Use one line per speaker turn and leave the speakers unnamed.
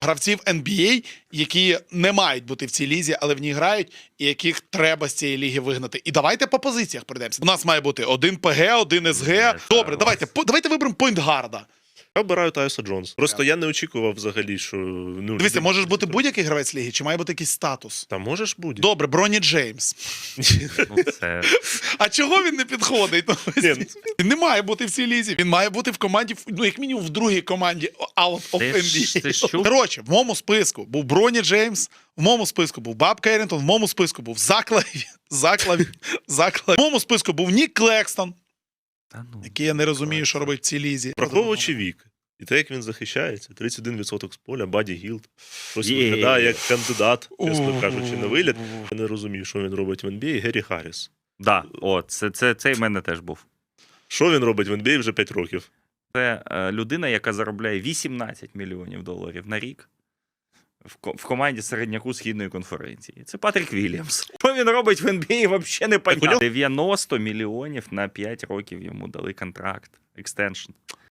гравців NBA, які не мають бути в цій лізі, але в ній грають, і яких треба з цієї ліги вигнати. І давайте по позиціях пройдемося. У нас має бути один ПГ, один СГ. Добре, давайте виберемо поінтгарда.
Я обираю Тайуса Джонс. Просто я не очікував взагалі, що... Ну,
Дивіться, можеш бути будь-який гравець ліги, чи має бути якийсь статус?
Та можеш бути.
Добре, Броні Джеймс.
Ну, це...
А чого він не підходить? Він не має бути в цій лізі. Він має бути в команді, ну, як мінімум, в другій команді Out of NBA. Коротше, в моєму списку був Броні Джеймс, в моєму списку був Боб Керрінтон, в моєму списку був Заклав. В моєму списку був Нік Клекстон, який я не розумію, що робить в цій лізі.
Враховуючи вік. І те, як він захищається, 31% з поля, Баді Гілд. Щось виглядає як кандидат, чесно кажучи, на виліт. Я не розумію, що він робить в NBA. Геррі Харріс.
Да, о, цей в мене теж був.
Що він робить в NBA вже 5 років?
Це людина, яка заробляє 18 мільйонів доларів на рік в команді середняку Східної конференції. Це Патрік Вільямс. Що він робить в NBA, взагалі не понятно. 90 мільйонів на 5 років йому дали контракт, екстеншн.